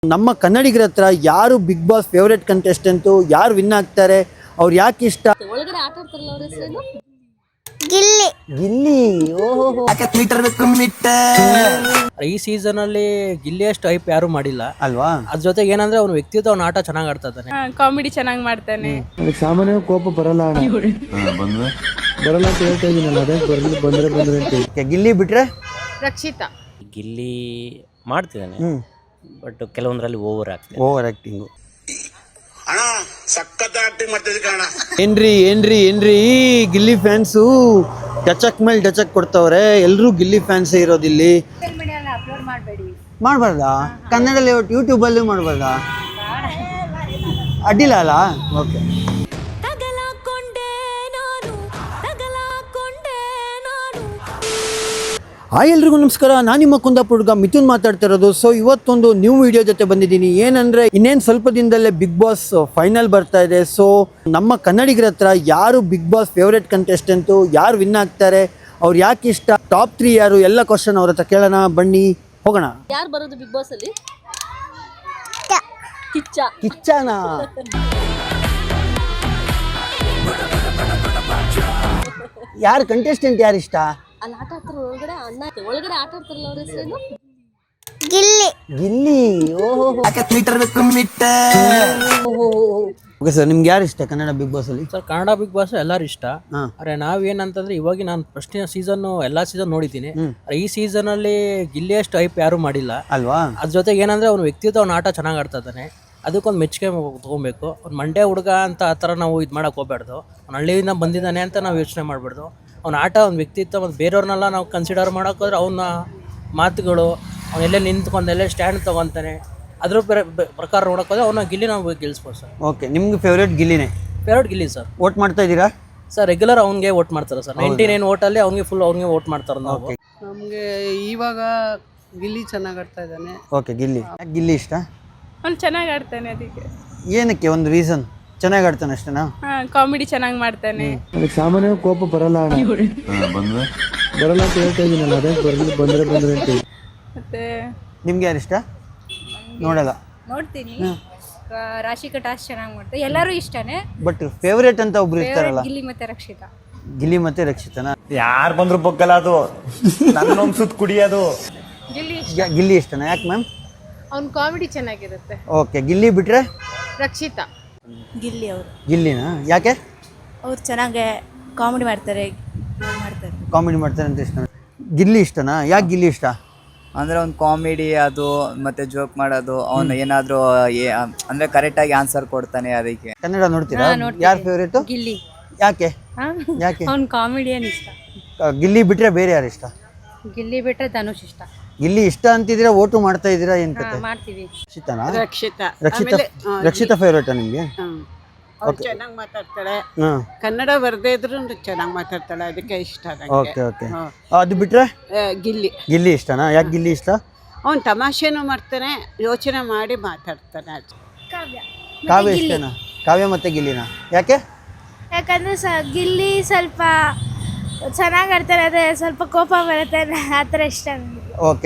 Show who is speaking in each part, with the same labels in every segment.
Speaker 1: ನಮ್ಮ ಕನ್ನಡಿಗರ ಹತ್ರ ಯಾರು ಬಿಗ್ ಬಾಸ್ ಫೇವರೇಟ್ ಕಂಟೆಸ್ಟೆಂಟು, ಯಾರು ವಿನ್ ಆಗ್ತಾರೆ, ಅವ್ರು ಯಾಕೆ ಇಷ್ಟ?
Speaker 2: ಒಳಗಡೆ ಆಟ ಆಡ್ತಾರಲ್ಲ ಅವ್ರ ಹೆಸರೇನು?
Speaker 3: ಗಿಲ್ಲಿ.
Speaker 1: ಗಿಲ್ಲಿ.
Speaker 4: ಈ ಸೀಸನ್ ಅಲ್ಲಿ ಗಿಲ್ಲಿ ಅಷ್ಟು ಹೈಪ್ ಯಾರು ಮಾಡಿಲ್ಲ
Speaker 1: ಅಲ್ವಾ?
Speaker 4: ಅದ್ರ ಜೊತೆಗೆ ಏನಂದ್ರೆ ಅವ್ನ ವ್ಯಕ್ತಿತ್ವ ಅವ್ನ ಆಟ ಚೆನ್ನಾಗಿ ಆಡ್ತಾ ಇದ್ದಾನೆ.
Speaker 2: ಕಾಮಿಡಿ ಚೆನ್ನಾಗಿ ಮಾಡ್ತಾನೆ.
Speaker 5: ಸಾಮಾನ್ಯ ಕೋಪ ಬರಲ್ಲ ಬರಲ್ಲ ಅಂತ ಹೇಳ್ತಾ ಇದೀನಲ್ಲ, ಅದೇ ಬಂದ್ರೆ ಅಂತ.
Speaker 1: ಗಿಲ್ಲಿ ಬಿಟ್ರೆ
Speaker 2: ರಕ್ಷಿತಾ.
Speaker 6: ಗಿಲ್ಲಿ ಮಾಡ್ತಿದ್ದಾನೆ, ಬಟ್ ಕೆಲವೊಂದರಲ್ಲಿ ಓವರ್ ಆಗ್ತದೆ.
Speaker 1: Over acting. ಏನ್ರಿ ಗಿಲ್ಲಿ ಫ್ಯಾನ್ಸು ಟಚಕ್ ಮೇಲೆ ಟಚಕ್ ಕೊಡ್ತವ್ರೆ. ಎಲ್ರು ಗಿಲ್ಲಿ ಫ್ಯಾನ್ಸೇ ಇರೋದಿಲ್ಲಿ. ಮಾಡ್ಬಾರ್ದಾ? ಕನ್ನಡದಲ್ಲಿ ಯೂಟ್ಯೂಬ್ ಅಲ್ಲಿ ಮಾಡ್ಬಾರ್ದಾ? ಅಡ್ಡಿಲ್ಲ ಅಲ್ಲ? ಓಕೆ. ಹಾಯ್ ಎಲ್ರಿಗೂ ನಮಸ್ಕಾರ. ನಾನು ನಿಮ್ಮ ಕುಂದಾಪುರ ಹುಡುಗ ಮಿಥುನ್ ಮಾತಾಡ್ತಾ ಇರೋದು. ಸೊ ಇವತ್ತೊಂದು ನ್ಯೂ ವಿಡಿಯೋ ಜೊತೆ ಬಂದಿದ್ದೀನಿ. ಏನಂದರೆ ಇನ್ನೇನು ಸ್ವಲ್ಪ ದಿನದಲ್ಲೇ ಬಿಗ್ ಬಾಸ್ ಫೈನಲ್ ಬರ್ತಾ ಇದೆ. ಸೊ ನಮ್ಮ ಕನ್ನಡಿಗರ ಹತ್ರ ಯಾರು ಬಿಗ್ ಬಾಸ್ ಫೇವ್ರೇಟ್ ಕಂಟೆಸ್ಟೆಂಟು, ಯಾರು ವಿನ್ ಆಗ್ತಾರೆ, ಅವ್ರು ಯಾಕೆ ಇಷ್ಟ, ಟಾಪ್ 3 ಯಾರು, ಎಲ್ಲ ಕ್ವಶನ್ ಅವ್ರ ಹತ್ರ ಕೇಳೋಣ. ಬನ್ನಿ ಹೋಗೋಣ.
Speaker 2: ಯಾರು ಬರೋದು ಬಿಗ್ ಬಾಸ್ ಅಲ್ಲಿ?
Speaker 1: ಕಿಚ್ಚನಾ? ಯಾರು ಕಂಟೆಸ್ಟೆಂಟ್ ಯಾರು ಇಷ್ಟ?
Speaker 2: ಅಲ್ಲಿ ಆಟ ಆಡ್ತಾರ ಒಳಗಡೆ ಆಟ ಆಡ್ತಾರಲ್ಲ ಅವ್ರ ಹೆಸರೇನು?
Speaker 3: ಗಿಲ್ಲಿ.
Speaker 1: ಗಿಲ್ಲಿ. ಓಕೆ ಸರ್, ನಿಮ್ಗೆ ಯಾರು ಇಷ್ಟ ಕನ್ನಡ ಬಿಗ್ ಬಾಸ್ ಅಲ್ಲಿ?
Speaker 4: ಸರ್, ಕನ್ನಡ ಬಿಗ್ ಬಾಸ್ ಎಲ್ಲರೂ ಇಷ್ಟ. ಆದ್ರೆ ನಾವೇನಂತಂದ್ರೆ ಇವಾಗ ನಾನು ಫಸ್ಟ್ ಸೀಸನ್ ಎಲ್ಲಾ ಸೀಸನ್ ನೋಡಿದ್ದೀನಿ. ಈ ಸೀಸನ್ ಅಲ್ಲಿ ಗಿಲ್ಲಿ ಅಷ್ಟು ಹೈಪ್ ಯಾರು ಮಾಡಿಲ್ಲ
Speaker 1: ಅಲ್ವಾ?
Speaker 4: ಅದ್ರ ಜೊತೆಗೆ ಏನಂದ್ರೆ ಅವ್ನ ವ್ಯಕ್ತಿತ್ವ ಅವ್ನ ಆಟ ಚೆನ್ನಾಗಿ ಆಡ್ತಾ ಇದ್ದಾನೆ. ಅದಕ್ಕೊಂದು ಮೆಚ್ಚುಗೆ ತೊಗೊಬೇಕು. ಅವ್ನು ಮಂಡ್ಯ ಹುಡುಗ ಅಂತ ಆ ಥರ ನಾವು ಇದು ಮಾಡೋಕೆ ಹೋಗ್ಬಾರ್ದು. ಅವ್ನು ಹಳ್ಳಿಯಿಂದ ಬಂದಿದ್ದಾನೆ ಅಂತ ನಾವು ಯೋಚನೆ ಮಾಡಬಾರ್ದು. ಅವ್ನ ಆಟ, ಅವ್ನ ವ್ಯಕ್ತಿತ್ವ ಮತ್ತು ಬೇರೆಯವ್ರನ್ನೆಲ್ಲ ನಾವು ಕನ್ಸಿಡರ್ ಮಾಡೋಕ್ಕೋದ್ರೆ ಅವನ ಮಾತುಗಳು, ಅವನೆಲ್ಲೇ ನಿಂತ್ಕೊಂಡು ಎಲ್ಲೇ ಸ್ಟ್ಯಾಂಡ್ ತೊಗೊತಾನೆ, ಅದ್ರ ಪ್ರಕಾರ ನೋಡೋಕ್ಕೋದ್ರೆ ಅವನ ಗಿಲ್ಲಿ ನಾವು ಗೆಲ್ಲಿಸ್ಬೋದು ಸರ್.
Speaker 1: ಓಕೆ, ನಿಮ್ಗೆ ಫೇವ್ರೇಟ್ ಗಿಲ್ಲಿನೇ?
Speaker 4: Favourite Gilli sir.
Speaker 1: ವೋಟ್ ಮಾಡ್ತಾ ಇದ್ದೀರಾ
Speaker 4: ಸರ್? ರೆಗ್ಯುಲರ್ ಅವ್ನಿಗೆ ವೋಟ್ ಮಾಡ್ತಾರೆ ಸರ್. 99 ವೋಟಲ್ಲಿ ಅವ್ನಿಗೆ ಫುಲ್ ಅವ್ನಿಗೆ ವೋಟ್ ಮಾಡ್ತಾರೆ ನಾವು.
Speaker 7: ನಮಗೆ ಇವಾಗ ಗಿಲ್ಲಿ ಚೆನ್ನಾಗಿ ಆಡ್ತಾ ಇದ್ದಾನೆ.
Speaker 1: ಓಕೆ, ಗಿಲ್ಲಿ. ಯಾಕೆ ಗಿಲ್ಲಿ ಇಷ್ಟ?
Speaker 2: ಅವ್ನು ಚೆನ್ನಾಗಿ ಆಡ್ತಾನೆ. ಅದಕ್ಕೆ
Speaker 1: ಏನಕ್ಕೆ? ಒಂದು ರೀಸನ್, ಚೆನ್ನಾಗಿ ಆಡ್ತಾನೆ ಅಷ್ಟೇನಾ?
Speaker 2: ಕಾಮಿಡಿ ಚೆನ್ನಾಗಿ ಮಾಡ್ತಾನೆ.
Speaker 5: ಸಾಮಾನ್ಯ ಕೋಪ ಬರಲ್ಲ ಬರಲ್ಲ ಅಂತ ಹೇಳ್ತಾ ಇದೀನಲ್ಲ, ಅದೇ ಬಂದ್ರೆ ಅಂತ.
Speaker 2: ಮತ್ತೆ
Speaker 1: ನಿಮ್ಗೆ ಯಾರು ಇಷ್ಟ? ನೋಡಲ್ಲ.
Speaker 8: ನೋಡ್ತೀನಿ. ರಾಶಿಕಾ ಟಾಸ್ ಚೆನ್ನಾಗಿ ಮಾಡ್ತಾರೆ, ಎಲ್ಲರೂ ಇಷ್ಟನೇ.
Speaker 1: ಬಟ್ ಫೇವ್ರೇಟ್ ಅಂತ ಒಬ್ರು ಇರ್ತಾರಲ್ಲ,
Speaker 8: ಗಿಲ್ಲಿ ಮತ್ತೆ ರಕ್ಷಿತಾ.
Speaker 1: ಗಿಲ್ಲಿ ಮತ್ತೆ ರಕ್ಷಿತನ?
Speaker 9: ಯಾರು ಬಂದ್ರು ಬೊಕ್ಕಲ್ಲ, ಅದು ನನ್ನ ಸುತ್ತ ಕುಡಿಯೋದು.
Speaker 1: ಗಿಲ್ಲಿ ಇಷ್ಟನಾ? ಯಾಕೆ ಮ್ಯಾಮ್?
Speaker 2: ಅವ್ನ ಕಾಮಿಡಿ ಚೆನ್ನಾಗಿರುತ್ತೆ.
Speaker 1: ಓಕೆ, ಗಿಲ್ಲಿ ಬಿಟ್ರೆ
Speaker 2: ರಕ್ಷಿತಾ.
Speaker 8: ಗಿಲ್ಲಿ ಅವರು.
Speaker 1: ಗಿಲ್ಲಿನಾ? ಯಾಕೆ?
Speaker 8: ಅವ್ರು ಚೆನ್ನಾಗಿ ಕಾಮಿಡಿ ಮಾಡ್ತಾರೆ.
Speaker 1: ಕಾಮಿಡಿ ಮಾಡ್ತಾರೆ ಅಂತ ಇಷ್ಟ. ಗಿಲ್ಲಿ ಇಷ್ಟನಾ? ಯಾಕೆ ಗಿಲ್ಲಿ ಇಷ್ಟ?
Speaker 10: ಅಂದರೆ ಅವ್ನು ಕಾಮಿಡಿ ಅದು ಮತ್ತು ಜೋಕ್ ಮಾಡೋದು, ಅವನು ಏನಾದರೂ ಅಂದರೆ ಕರೆಕ್ಟಾಗಿ ಆನ್ಸರ್ ಕೊಡ್ತಾನೆ. ಅದಕ್ಕೆ
Speaker 1: ಕನ್ನಡ ನೋಡ್ತೀರಾ? ಯಾರು ಫೇವ್ರೇಟು?
Speaker 8: ಗಿಲ್ಲಿ.
Speaker 1: ಯಾಕೆ? ಯಾಕೆ?
Speaker 8: ಅವ್ನ ಕಾಮಿಡಿಯನ್ ಇಷ್ಟ.
Speaker 1: ಗಿಲ್ಲಿ ಬಿಟ್ರೆ ಬೇರೆ ಯಾರು ಇಷ್ಟ?
Speaker 8: ಗಿಲ್ಲಿ ಬಿಟ್ಟರೆ ಧನುಷ್ ಇಷ್ಟ.
Speaker 1: ಗಿಲ್ಲಿ ಇಷ್ಟ ಅಂತಿದ್ದೀರಾ, ಓಟು ಮಾಡ್ತಾ ಇದ್ದೀರಾ, ಏನ್ ಕತೆ?
Speaker 8: ಮಾಡ್ತೀವಿ.
Speaker 1: ರಕ್ಷಿತಾನಾ?
Speaker 7: ರಕ್ಷಿತಾ
Speaker 1: ಫೇವ್ರೇಟಾ ನಿಮ್ಗೆ?
Speaker 7: ಚೆನ್ನಾಗಿ ಮಾತಾಡ್ತಾಳೆ. ಕನ್ನಡ ಬರದೇ ಇದ್ರು ಚೆನ್ನಾಗಿ ಮಾತಾಡ್ತಾಳೆ, ಅದಕ್ಕೆ ಇಷ್ಟ.
Speaker 1: Okay okay. ಅದು ಬಿಟ್ರೆ
Speaker 7: ಗಿಲ್ಲಿ.
Speaker 1: ಗಿಲ್ಲಿ ಇಷ್ಟನಾ? ಯಾಕೆ ಗಿಲ್ಲಿ ಇಷ್ಟ?
Speaker 7: ಅವ್ನು ತಮಾಷೆನೂ ಮಾಡ್ತಾನೆ, ಯೋಚನೆ ಮಾಡಿ ಮಾತಾಡ್ತಾನೆ.
Speaker 1: ಕಾವ್ಯ ಇಷ್ಟನಾ? ಕಾವ್ಯ ಮತ್ತೆ ಗಿಲ್ಲಿನಾ? ಯಾಕೆ?
Speaker 3: ಯಾಕಂದ್ರೆ ಗಿಲ್ಲಿ ಸ್ವಲ್ಪ ಚೆನ್ನಾಗಿ ಆಡ್ತಾರೆ, ಅದೇ ಸ್ವಲ್ಪ ಕೋಪ ಬರುತ್ತೆ, ಆ ಥರ ಇಷ್ಟ ನನಗೆ.
Speaker 1: ಓಕೆ.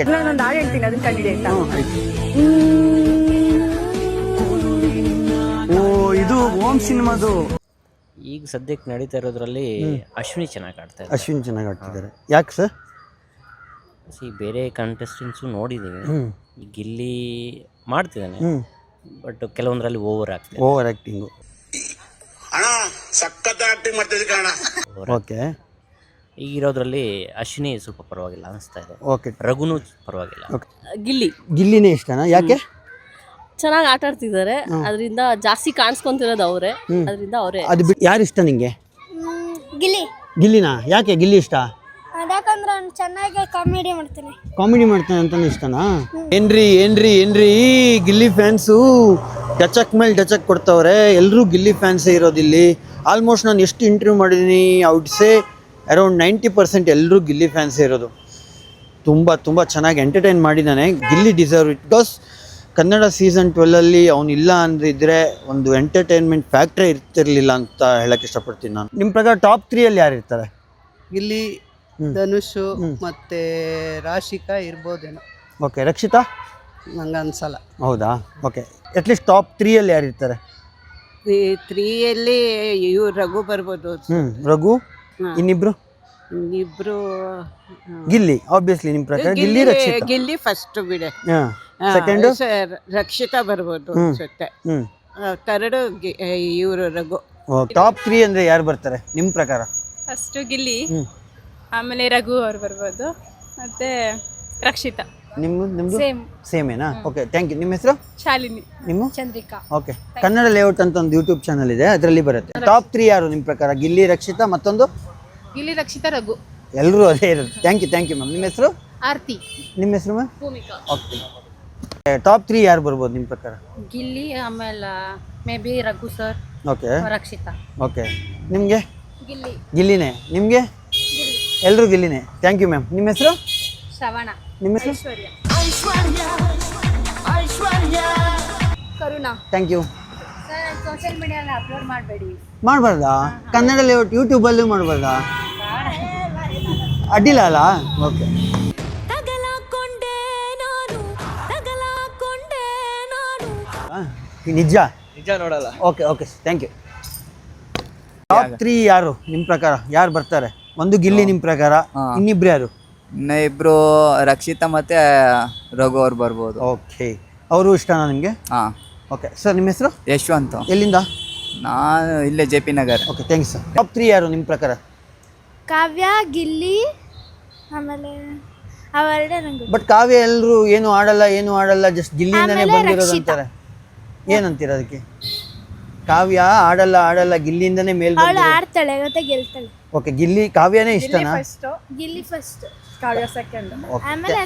Speaker 1: ಓ, ಇದು ಓಮ್ ಸಿನಿಮಾದು.
Speaker 6: ಈಗ ಸದ್ಯಕ್ಕೆ ನಡೀತಾ ಇರೋದ್ರಲ್ಲಿ ಅಶ್ವಿನಿ ಚೆನ್ನಾಗಿ ಆಡ್ತಾ ಇದ್ದಾರೆ.
Speaker 1: ಅಶ್ವಿನ್ ಚೆನ್ನಾಗಿ ಆಡ್ತಿದ್ದಾರೆ. ಯಾಕೆ ಸರ್?
Speaker 6: ಬೇರೆ ಕಂಟೆಸ್ಟೆಂಟ್ಸು ನೋಡಿದ್ದೀವಿ. ಈ ಗಿಲ್ಲಿ ಮಾಡ್ತಿದ್ದಾನೆ, ಬಟ್ ಕೆಲವೊಂದರಲ್ಲಿ ಓವರ್ ಆಗ್ತದೆ.
Speaker 1: Over acting. ಓಕೆ.
Speaker 6: ಈಗಿರೋದ್ರಲ್ಲಿ ಅಶ್ವಿನಿ ಸ್ವಲ್ಪ ಪರವಾಗಿಲ್ಲ ಅನಿಸ್ತಾ ಇದೆ.
Speaker 1: ಓಕೆ.
Speaker 6: ರಘುನು ಪರವಾಗಿಲ್ಲ.
Speaker 2: ಗಿಲ್ಲಿ.
Speaker 1: ಗಿಲ್ಲಿನೇ ಇಷ್ಟನಾ? ಯಾಕೆ?
Speaker 2: ಚೆನ್ನಾಗಿ ಆಟ ಆಡ್ತಿದ್ದಾರೆ, ಅದರಿಂದ ಜಾಸ್ತಿ ಕಾಣಿಸ್ಕೊಂತಿರೋದು ಅವರೇ, ಅದರಿಂದ ಅವರೇ.
Speaker 1: ಅದು ಬಿಟ್ಟು ಯಾರು ಇಷ್ಟ ನಿಂಗೆ?
Speaker 3: ಗಿಲ್ಲಿ.
Speaker 1: ಗಿಲ್ಲಿನಾ? ಯಾಕೆ ಗಿಲ್ಲಿ ಇಷ್ಟ?
Speaker 3: ಯಾಕಂದ್ರೆ ಅವ್ನು ಚೆನ್ನಾಗಿ ಕಾಮಿಡಿ ಮಾಡ್ತಾನೆ.
Speaker 1: ಕಾಮಿಡಿ ಮಾಡ್ತಾನೆ ಅಂತಾನೆ ಇಷ್ಟನಾ? ಏನ್ರಿ ಗಿಲ್ಲಿ ಫ್ಯಾನ್ಸು ಟಚಕ್ ಮೇಲೆ ಟಚಕ್ ಕೊಡ್ತವ್ರೆ. ಎಲ್ರು ಗಿಲ್ಲಿ ಫ್ಯಾನ್ಸೇ ಇರೋದಿಲ್ಲಿ. ಆಲ್ಮೋಸ್ಟ್ ನಾನು ಎಷ್ಟು ಇಂಟರ್ವ್ಯೂ ಮಾಡಿದ್ದೀನಿ, ಐ ವುಡ್ ಸೇ ಅರೌಂಡ್ 90% ಎಲ್ಲರೂ ಗಿಲ್ಲಿ ಫ್ಯಾನ್ಸೇ ಇರೋದು. ತುಂಬ ಚೆನ್ನಾಗಿ ಎಂಟರ್ಟೈನ್ ಮಾಡಿದ್ದಾನೆ. Gilli deserve it. Because Kannada season 12 ಅವನು ಇಲ್ಲ ಅಂದಿದ್ರೆ ಒಂದು ಎಂಟರ್ಟೈನ್ಮೆಂಟ್ ಫ್ಯಾಕ್ಟ್ರಿ ಇರ್ತಿರ್ಲಿಲ್ಲ ಅಂತ ಹೇಳಕ್ಕೆ ಇಷ್ಟಪಡ್ತೀನಿ ನಾನು. ನಿಮ್ಮ ಪ್ರಕಾರ ಟಾಪ್ 3 ಅಲ್ಲಿ ಯಾರು ಇರ್ತಾರೆ?
Speaker 7: ಗಿಲ್ಲಿ, ಧನುಷ್ ಮತ್ತೆ ರಾಶಿಕಾ ಇರ್ಬೋದೇನೋ.
Speaker 1: ಓಕೆ. ರಕ್ಷಿತಾ?
Speaker 7: ನಂಗೆ ಅನ್ಸಲ್ಲ.
Speaker 1: ಹೌದಾ? ಓಕೆ, ಅಟ್ಲೀಸ್ಟ್ ಟಾಪ್ 3 ಯಾರು ಇರ್ತಾರೆ?
Speaker 7: ಈ 3ಯಲ್ಲಿ ಇವ್ರು ರಘು ಬರ್ಬೋದು.
Speaker 1: ರಘು,
Speaker 7: ಹಾ.
Speaker 1: ಇನ್ನಿಬ್ರು
Speaker 7: ಇಬ್ರು
Speaker 1: ಗಿಲ್ಲಿ, ಆಬ್ವಿಯಸ್ಲಿ ನಿಮ್ಮ ಪ್ರಕಾರ ಗಿಲ್ಲಿ, ರಕ್ಷಿತಾ.
Speaker 7: ಗಿಲ್ಲಿ ಫಸ್ಟ್ ಬಿಡೆ.
Speaker 1: ಸೆಕೆಂಡು
Speaker 7: ರಕ್ಷಿತಾ ಬರ್ಬೋದು ಅನ್ಸುತ್ತೆ. ಥರ್ಡು ಇವರು ರಘು.
Speaker 1: ಟಾಪ್ 3 ಅಂದ್ರೆ ಯಾರು ಬರ್ತಾರೆ ನಿಮ್ಮ ಪ್ರಕಾರ?
Speaker 8: ಫಸ್ಟು ಗಿಲ್ಲಿ, ಆಮೇಲೆ ರಘು ಅವ್ರು ಬರ್ಬೋದು, ಮತ್ತೆ ರಕ್ಷಿತಾ.
Speaker 1: ನಿಮ್ದು
Speaker 8: ಸೇಮ್.
Speaker 1: ಸೇಮೇನಾ? Okay, thank you. ನಿಮ್ಮ ಹೆಸರು?
Speaker 8: ಶಾಲಿನಿ.
Speaker 1: ನಿಮ್ಮ?
Speaker 8: ಚಂದ್ರಿಕಾ.
Speaker 1: ಓಕೆ, ಕನ್ನಡ ಲೇಔಟ್ ಅಂತ ಒಂದು ಯೂಟ್ಯೂಬ್ ಚಾನಲ್ ಇದೆ, ಅದರಲ್ಲಿ ಬರುತ್ತೆ. ಟಾಪ್ 3 ಯಾರು ನಿಮ್ಮ ಪ್ರಕಾರ? ಗಿಲ್ಲಿ, ರಕ್ಷಿತಾ, ಮತ್ತೊಂದು?
Speaker 8: ಗಿಲ್ಲಿ, ರಕ್ಷಿತಾ, ರಘು.
Speaker 1: ಎಲ್ಲರೂ ಅದೇ ಇರೋದು. Thank you ma'am. ನಿಮ್ಮ ಹೆಸರು?
Speaker 8: ಆರ್ತಿ.
Speaker 1: ನಿಮ್ಮ ಹೆಸರು ಮ್ಯಾಮ್?
Speaker 8: ಭೂಮಿಕಾ.
Speaker 1: ಓಕೆ, ಟಾಪ್ 3 ಯಾರು ಬರ್ಬೋದು ನಿಮ್ಮ ಪ್ರಕಾರ?
Speaker 8: ಗಿಲ್ಲಿ, ಆಮೇಲೆ maybe Raghu sir,
Speaker 1: okay
Speaker 8: Rakshita.
Speaker 1: Okay, ನಿಮಗೆ?
Speaker 8: ಗಿಲ್ಲಿ.
Speaker 1: ಗಿಲ್ಲಿನೇ. ನಿಮಗೆ? ಎಲ್ಲರೂ ಗಿಲ್ಲಿನೇ. Thank you ma'am. ನಿಮ್ಮ ಹೆಸರು?
Speaker 8: ಶ್ರವಣ.
Speaker 1: ನಿಮ್ಮ ಹೆಸರು?
Speaker 8: Karuna.
Speaker 1: Thank you.
Speaker 8: Sir, social ಮೀಡಿಯಲ್ಲಿ ಅಪ್ಲೋಡ್ ಮಾಡಬೇಡಿ.
Speaker 1: ಮಾಡಬಾರ್ದಾ? ಕನ್ನಡ ಲೇಔಟ್ ಯೂಟ್ಯೂಬಲ್ಲೂ ಮಾಡಬಾರ್ದಾ? ಅಡ್ಡಿಲ್ಲ ಅಲ್ಲ? ಓಕೆ. ನಿಜ
Speaker 4: ನೋಡಲ್ಲ.
Speaker 1: Okay okay, thank you. Top 3 ಯಾರು ನಿಮ್ಮ ಪ್ರಕಾರ? ಯಾರು ಬರ್ತಾರೆ? ಒಂದು ಗಿಲ್ಲಿ ನಿಮ್ಮ ಪ್ರಕಾರ, ಇನ್ನಿಬ್ರು ಯಾರು?
Speaker 10: ಇನ್ನು ಇಬ್ರು ರಕ್ಷಿತಾ ಮತ್ತೆ ರಘು ಅವ್ರು ಬರ್ಬೋದು.
Speaker 1: ಓಕೆ, ಅವರು ಇಷ್ಟನಾ ನಿಮಗೆ?
Speaker 10: ಹಾಂ.
Speaker 1: ಓಕೆ ಸರ್, ನಿಮ್ಮ ಹೆಸರು?
Speaker 10: ಯಶವಂತ್.
Speaker 1: ಎಲ್ಲಿಂದ?
Speaker 10: ನಾನು ಇಲ್ಲೇ JP Nagar.
Speaker 1: Okay, thanks sir. Top 3 ಯಾರು ನಿಮ್ಮ ಪ್ರಕಾರ?
Speaker 3: ಕಾವ್ಯ, ಗಿಲ್ಲಿ, ಆಮೇಲೆ ಅವೆರಡೇ ನಂಗೆ.
Speaker 1: ಬಟ್ ಕಾವ್ಯ ಎಲ್ಲರೂ ಏನು ಆಡಲ್ಲ ಜಸ್ಟ್ ಗಿಲ್ಲಿಯಿಂದನೇ
Speaker 3: ಆಮೇಲೆ
Speaker 1: ಬಂದಿರೋದು
Speaker 3: ರಕ್ಷಿತಾ.
Speaker 1: ಅಂತಾರೆ. ಏನಂತೀರ ಅದಕ್ಕೆ? ಕಾವ್ಯ ಆಡಲ್ಲ ಗಿಲ್ಲಿಯಿಂದನೇ ಮೇಲ್
Speaker 3: ಅವಳು
Speaker 1: ಬಂದಿರೋದು.
Speaker 3: ಆಡ್ತಾಳೆ ಮತ್ತೆ ಗೆಲ್ತಾಳೆ.
Speaker 1: ಓಕೆ, ಗಿಲ್ಲಿ ಕಾವ್ಯನೇ ಇಷ್ಟನಾ?
Speaker 3: ಗಿಲ್ಲಿ ಫಸ್ಟ್,
Speaker 8: ಕಾವ್ಯ ಸೆಕೆಂಡ್,
Speaker 3: ಆಮೇಲೆ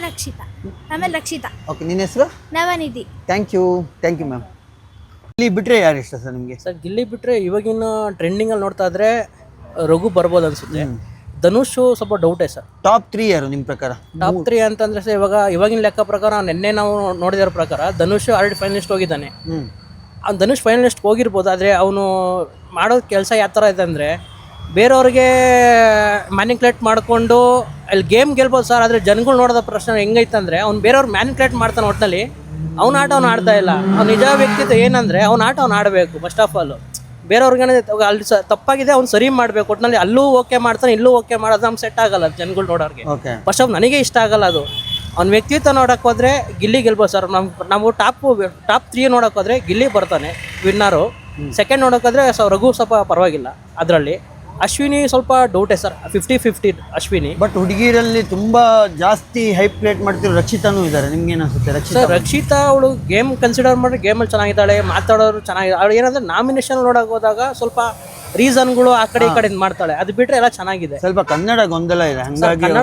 Speaker 3: ರಕ್ಷಿತಾ.
Speaker 1: ಓಕೆ, ನಿನ್ನ ಹೆಸರು?
Speaker 3: Navanidhi.
Speaker 1: Thank you ma'am. Gilli ಬಿಟ್ರೆ ಯಾರು ಇಷ್ಟ ಸರ್ ನಿಮಗೆ?
Speaker 4: ಸರ್, ಗಿಲ್ಲಿ ಬಿಟ್ಟರೆ ಇವಾಗಿನ ಟ್ರೆಂಡಿಂಗಲ್ಲಿ ನೋಡ್ತಾ ಇದ್ರೆ ರಘು ಬರ್ಬೋದು ಅನ್ಸುತ್ತೆ. ಧನುಷ್ ಸ್ವಲ್ಪ ಡೌಟೇ ಸರ್.
Speaker 1: ಟಾಪ್ 3 ಯಾರು ನಿಮ್ಮ ಪ್ರಕಾರ?
Speaker 4: ಟಾಪ್ 3 ಅಂತಂದ್ರೆ ಸರ್, ಇವಾಗಿನ ಲೆಕ್ಕ ಪ್ರಕಾರ ನಿನ್ನೆ ನಾವು ನೋಡಿದಿರೋ ಪ್ರಕಾರ ಧನುಷ್ ಆಲ್ರೆಡಿ ಫೈನಲಿಸ್ಟ್ ಹೋಗಿದ್ದಾನೆ. ಅವ್ನು ಧನುಷ್ ಫೈನಲಿಸ್ಟ್ ಹೋಗಿರ್ಬೋದು, ಆದರೆ ಅವನು ಮಾಡೋ ಕೆಲಸ ಯಾವ ಥರ ಇದೆ ಅಂದರೆ ಬೇರೆಯವ್ರಿಗೆ ಮ್ಯಾನಿಕ್ಯುಲೇಟ್ ಮಾಡಿಕೊಂಡು ಅಲ್ಲಿ ಗೇಮ್ ಗೆಲ್ಬೋದು ಸರ್. ಆದರೆ ಜನಗಳು ನೋಡೋದ ಪ್ರಶ್ನೆ ಹೆಂಗೈತೆ ಅಂದರೆ ಅವ್ನು ಬೇರೆಯವ್ರು ಮ್ಯಾನಿಕ್ಯುಲೇಟ್ ಮಾಡ್ತಾನೆ. ಒಟ್ಟಿನಲ್ಲಿ ಅವ್ನ ಆಟ ಅವ್ನು ಆಡ್ತಾ ಇಲ್ಲ. ಅವ್ನು ನಿಜ ವ್ಯಕ್ತಿತ್ವ ಏನಂದರೆ ಅವ್ನ ಆಟ ಅವ್ನು ಆಡಬೇಕು ಫಸ್ಟ್ ಆಫ್ ಆಲ್. ಬೇರೆಯವ್ರಿಗೆ ಅಲ್ಲಿ ತಪ್ಪಾಗಿದೆ ಅವ್ನು ಸರಿ ಮಾಡಬೇಕು. ಒಟ್ಟಿನಲ್ಲಿ ಅಲ್ಲೂ ಓಕೆ ಮಾಡ್ತಾನೆ, ಇಲ್ಲೂ ಓಕೆ ಮಾಡೋದು ನಮ್ಗೆ ಸೆಟ್ ಆಗಲ್ಲ ಜನಗಳು ನೋಡೋರಿಗೆ. ಫಸ್ಟ್ ಆಫ್ ನನಗೆ ಇಷ್ಟ ಆಗಲ್ಲ ಅದು. ಅವ್ನ ವ್ಯಕ್ತಿತ್ವ ನೋಡೋಕೆ ಹೋದರೆ ಗಿಲ್ಲಿ ಗೆಲ್ಬೋದು ಸರ್. ನಾವು ಟಾಪ್ 3 ನೋಡೋಕೆ ಹೋದರೆ ಗಿಲ್ಲಿ ಬರ್ತಾನೆ ವಿನ್ನರು. ಸೆಕೆಂಡ್ ನೋಡೋಕೆ ಹೋದರೆ ರಘು ಸ್ವಲ್ಪ ಪರವಾಗಿಲ್ಲ. ಅದರಲ್ಲಿ ಅಶ್ವಿನಿ ಸ್ವಲ್ಪ ಡೌಟೇ ಸರ್, 50-50 ಅಶ್ವಿನಿ.
Speaker 1: ಬಟ್ ಹುಡುಗಿರಲ್ಲಿ ತುಂಬಾ ಜಾಸ್ತಿ ಹೈಪ್ ಪ್ಲೇಟ್ ಮಾಡ್ತಿರೋ ರಕ್ಷಿತಾನೂ ಇದ್ದಾರೆ. ನಿಮ್ಗೆ ಏನಿಸುತ್ತೆ
Speaker 4: ರಕ್ಷಿತಾ? ಅವಳು ಗೇಮ್ ಕನ್ಸಿಡರ್ ಮಾಡಿದ್ರೆ ಗೇಮಲ್ಲಿ ಚೆನ್ನಾಗಿದ್ದಾಳೆ, ಮಾತಾಡೋರು ಚೆನ್ನಾಗಿದೆ. ಅವಳು ಏನಂದ್ರೆ ನಾಮಿನೇಷನ್ ನೋಡೋಕೆ ಹೋದಾಗ ಸ್ವಲ್ಪ ರೀಸನ್ಗಳು ಆ ಕಡೆ ಈ ಕಡೆ ಮಾಡ್ತಾಳೆ. ಅದು ಬಿಟ್ರೆ ಎಲ್ಲ ಚೆನ್ನಾಗಿದೆ.
Speaker 1: ಸ್ವಲ್ಪ ಕನ್ನಡ ಗೊಂದಲ ಇದೆ, ಹಂಗಾಗಿ
Speaker 4: ಕನ್ನಡ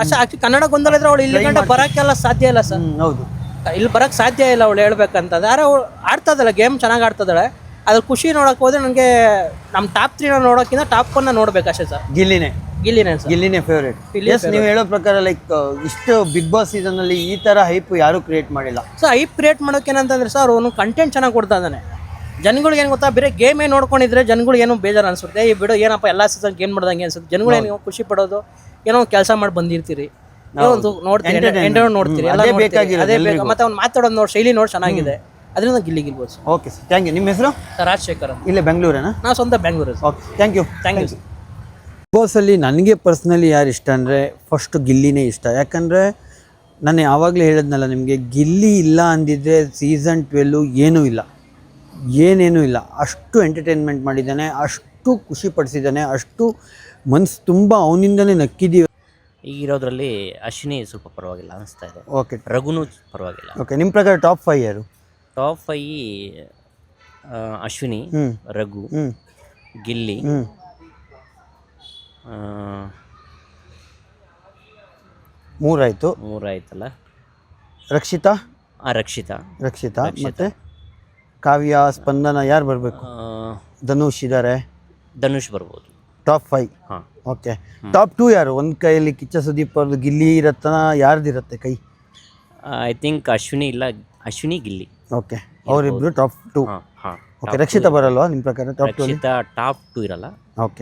Speaker 4: ಗೊಂದಲ ಇದ್ರೆ ಅವಳು ಇಲ್ಲಿ ಗಂಟೆ ಬರೋಕ್ಕೆಲ್ಲ ಸಾಧ್ಯ ಇಲ್ಲ ಸರ್.
Speaker 1: ಹೌದು,
Speaker 4: ಇಲ್ಲಿ ಬರೋಕ್ಕೆ ಸಾಧ್ಯ ಇಲ್ಲ ಅವಳು ಹೇಳ್ಬೇಕಂತಂದ್ರೆ. ಯಾರು ಅವಳು ಆಡ್ತದಲ್ಲ, ಗೇಮ್ ಚೆನ್ನಾಗಿ ಆಡ್ತದಾಳೆ. ಅದ್ರ ಖುಷಿ ನೋಡೋಕೆ ಹೋದ್ರೆ ನನಗೆ ನಮ್ಮ ಟಾಪ್ 3 ನೋಡೋಕ್ಕಿಂತ ಟಾಪ್ 1 ನೋಡ್ಬೇಕು ಅಷ್ಟೇ ಸರ್. ಗಿಲ್ಲಿನೇ ಸರ್, ಗಿಲ್ಲಿನೇ ಫೇವ್ರೇಟ್. ನೀವು ಹೇಳೋ ಪ್ರಕಾರ ಲೈಕ್ ಇಷ್ಟು ಬಿಗ್ ಬಾಸ್ ಸೀಸನ್ ಅಲ್ಲಿ ಈ ತರ ಹೈಪ್ ಯಾರು ಕ್ರಿಯೇಟ್ ಮಾಡಿಲ್ಲ. ಸೊ ಹೈಪ್ ಕ್ರಿಯೇಟ್ ಮಾಡೋಕೆ ಏನಂತಂದ್ರೆ ಸರ್, ಅವನು ಕಂಟೆಂಟ್ ಚೆನ್ನಾಗಿ ಕೊಡ್ತಾ ಇದ್ದಾನೆ. ಜನಗಳಿಗೆ ಏನು ಗೊತ್ತಾ, ಬೇರೆ ಗೇಮೇ ನೋಡ್ಕೊಂಡಿದ್ರೆ ಜನಗಳಿಗೆ ಏನೋ ಬೇಜಾರು ಅನ್ಸುತ್ತೆ. ಈ ಬಿಡು ಏನಪ್ಪ ಎಲ್ಲ ಸೀಸನ್ ಗೇಮ್ ಮಾಡ್ದಂಗೆ ಅನ್ಸುತ್ತೆ. ಜನಗಳು ಏನು ಖುಷಿ ಪಡೋದು, ಏನೋ ಕೆಲಸ ಮಾಡಿ ಬಂದಿರ್ತೀರಿ, ಏನೋ ಒಂದು ನೋಡ್ತೀರಿ, ನೋಡ್ತೀರಿ, ಅದೇ ಬೇಕಾಗಿ. ಮತ್ತೆ ಅವ್ನು ಮಾತಾಡೋದು ಶೈಲಿ ನೋಡಿ ಚೆನ್ನಾಗಿದೆ. ಅದರಿಂದ ಗಿಲ್ಲಿ ಗೆಲ್ಬೋದು. Okay sir, thank you. ನಿಮ್ಮ ಹೆಸರು? ರಾಜಶೇಖರ್. ಇಲ್ಲೇ ಬೆಂಗಳೂರೇನಾ? ನಾವು ಸ್ವಂತ ಬೆಂಗಳೂರು. Okay, thank you. ಬಾಸಲ್ಲಿ ನನಗೆ ಪರ್ಸ್ನಲಿ ಯಾರು ಇಷ್ಟ ಅಂದರೆ ಫಸ್ಟ್ ಗಿಲ್ಲಿನೇ ಇಷ್ಟ. ಯಾಕಂದರೆ ನಾನು ಯಾವಾಗಲೇ ಹೇಳಿದ್ನಲ್ಲ ನಿಮಗೆ, ಗಿಲ್ಲಿ ಇಲ್ಲ ಅಂದಿದ್ರೆ ಸೀಸನ್ 12 ಏನೂ ಇಲ್ಲ. ಅಷ್ಟು ಎಂಟರ್ಟೈನ್ಮೆಂಟ್ ಮಾಡಿದ್ದಾನೆ, ಅಷ್ಟು ಖುಷಿ ಪಡಿಸಿದ್ದಾನೆ, ಅಷ್ಟು ಮನಸ್ಸು ತುಂಬ ಅವನಿಂದನೇ ನಕ್ಕಿದ್ದೀವಿ.
Speaker 6: ಈಗಿರೋದ್ರಲ್ಲಿ ಅಶ್ವಿನಿ ಸ್ವಲ್ಪ ಪರವಾಗಿಲ್ಲ ಅನಿಸ್ತಾ ಇದೆ.
Speaker 1: ಓಕೆ,
Speaker 6: ರಘುನೂ ಪರವಾಗಿಲ್ಲ.
Speaker 1: ಓಕೆ, ನಿಮ್ಮ ಪ್ರಕಾರ ಟಾಪ್ 5 ಯಾರು?
Speaker 6: ಟಾಪ್ 5 ಅಶ್ವಿನಿ, ರಘು, ಗಿಲ್ಲಿ, ಮೂರಾಯ್ತಲ್ಲ.
Speaker 1: ರಕ್ಷಿತಾ. ಮತ್ತೆ ಕಾವ್ಯ, ಸ್ಪಂದನ, ಯಾರು ಬರಬೇಕು?
Speaker 6: ಧನುಷ್ ಬರ್ಬೋದು.
Speaker 1: ಟಾಪ್ 5.
Speaker 6: ಹಾಂ,
Speaker 1: ಓಕೆ. ಟಾಪ್ 2 ಯಾರು? ಒಂದು ಕೈಯಲ್ಲಿ ಕಿಚ್ಚ ಸುದೀಪ್ ಅವ್ರದ್ದು, ಗಿಲ್ಲಿ ಇರತ್ತನ, ಯಾರ್ದಿರುತ್ತೆ ಕೈ?
Speaker 6: I think Ashwini Gilli.
Speaker 1: Okay, ಅವರಿಬ್ರು ಟಾಪ್ 2.
Speaker 6: ಹಾಂ.
Speaker 1: ಓಕೆ, ರಕ್ಷಿತಾ ಬರಲ್ವಾ ನಿಮ್ಮ ಪ್ರಕಾರ ಟಾಪ್ 2?
Speaker 6: ರಕ್ಷಿತಾ ಟಾಪ್ 2 ಇರಲ್ಲ.
Speaker 1: ಓಕೆ,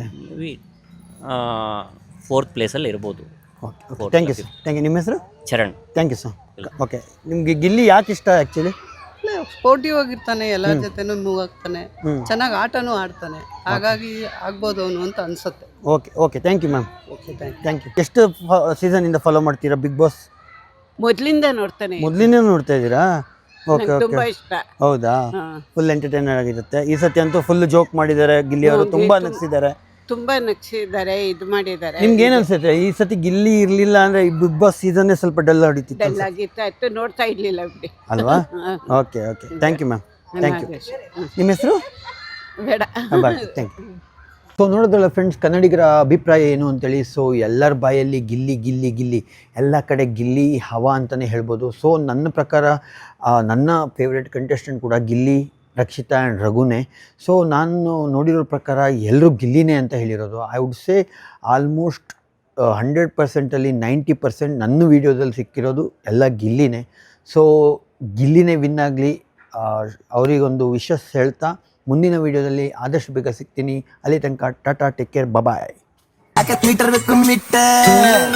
Speaker 6: 4th ಪ್ಲೇಸಲ್ಲಿ ಇರ್ಬೋದು.
Speaker 1: Okay, thank you sir. ನಿಮ್ಮ ಹೆಸರು?
Speaker 6: Charan.
Speaker 1: Thank you sir. Okay, ನಿಮಗೆ ಗಿಲ್ಲಿ ಯಾಕೆ ಇಷ್ಟ ಆ್ಯಕ್ಚುಲಿ?
Speaker 7: ಸ್ಪೋರ್ಟಿವ್ ಆಗಿರ್ತಾನೆ, ಎಲ್ಲ ಜೊತೆನೂ ಮೂವ್ ಆಗ್ತಾನೆ, ಚೆನ್ನಾಗಿ ಆಟನೂ ಆಡ್ತಾನೆ, ಹಾಗಾಗಿ ಆಗ್ಬೋದು ಅವನು ಅಂತ ಅನ್ಸುತ್ತೆ.
Speaker 1: Okay okay, thank you ma'am.
Speaker 7: Okay, thank
Speaker 1: thank you. ಎಷ್ಟು ಸೀಸನಿಂದ ಫಾಲೋ ಮಾಡ್ತೀರಾ ಬಿಗ್ ಬಾಸ್?
Speaker 7: ಮೊದಲಿಂದ ನೋಡ್ತಾನೆ,
Speaker 1: ಮೊದಲಿಂದ ನೋಡ್ತಾ ಇದ್ದೀರಾ? ಓಕೆ ಓಕೆ,
Speaker 7: ತುಂಬಾ ಇಷ್ಟ.
Speaker 1: ಹೌದಾ?
Speaker 7: ಹಾ.
Speaker 1: ಫುಲ್ ಎಂಟರ್ಟೈನರ್ ಆಗಿರುತ್ತೆ. ಈ ಸತಿ ಅಂತೂ ಫುಲ್ ಜೋಕ್ ಮಾಡಿದ್ದಾರೆ ಗಿಲ್ಲಿ ಅವರು, ತುಂಬಾ ನಗಿಸಿದ್ದಾರೆ.
Speaker 7: ತುಂಬಾ ನಗಿಸಿದ್ದಾರೆ, ಇದು ಮಾಡಿದ್ದಾರೆ.
Speaker 1: ನಿಮ್ಗೆ ಏನ್ ಅನ್ಸುತ್ತೆ ಈ ಸತಿ ಗಿಲ್ಲಿ ಇರ್ಲಿಲ್ಲ ಅಂದ್ರೆ ಈ ಬಿಗ್ ಬಾಸ್ ಸೀಸನ್ ಸ್ವಲ್ಪ ಡಲ್ ಹೊಡಿತಿತ್ತು
Speaker 7: ಡಲ್ ಆಗಿತ್ತು, ನೋಡ್ತಾ ಇರ್ಲಿಲ್ಲ ಬಿಡಿ
Speaker 1: ಅಲ್ವಾ? Okay okay, thank you ma'am, thank you. ನಿಮ್ಮ ಹೆಸರು?
Speaker 7: ಬೇಡ.
Speaker 1: Bye, thank you. ಸೊ ನೋಡಿದ್ರಲ್ಲ ಫ್ರೆಂಡ್ಸ್, ಕನ್ನಡಿಗರ ಅಭಿಪ್ರಾಯ ಏನು ಅಂತೇಳಿ. ಸೊ ಎಲ್ಲರ ಬಾಯಲ್ಲಿ ಗಿಲ್ಲಿ ಗಿಲ್ಲಿ ಗಿಲ್ಲಿ, ಎಲ್ಲ ಕಡೆ ಗಿಲ್ಲಿ ಹವಾ ಅಂತಲೇ ಹೇಳ್ಬೋದು. ಸೊ ನನ್ನ ಪ್ರಕಾರ ನನ್ನ ಫೇವ್ರೆಟ್ ಕಂಟೆಸ್ಟೆಂಟ್ ಕೂಡ ಗಿಲ್ಲಿ, ರಕ್ಷಿತಾ ಆ್ಯಂಡ್ ರಘುನೇ. ಸೊ ನಾನು ನೋಡಿರೋ ಪ್ರಕಾರ ಎಲ್ಲರೂ ಗಿಲ್ಲಿನೇ ಅಂತ ಹೇಳಿರೋದು. ಐ ವುಡ್ ಸೇ ಆಲ್ಮೋಸ್ಟ್ 100%ಅಲ್ಲಿ 90% ನನ್ನ ವೀಡಿಯೋದಲ್ಲಿ ಸಿಕ್ಕಿರೋದು ಎಲ್ಲ ಗಿಲ್ಲಿನೇ. ಸೊ ಗಿಲ್ಲಿನೇ ವಿನ್ ಆಗಲಿ, ಅವರಿಗೊಂದು ವಿಶಸ್ ಹೇಳ್ತಾ ಮುಂದಿನ ವೀಡಿಯೋದಲ್ಲಿ ಆದಷ್ಟು ಬೇಗ ಸಿಗ್ತೀನಿ. ಅಲ್ಲಿ ತನಕ ಟಾಟಾ, ಟೇಕ್ ಕೇರ್, ಬಾಯ್.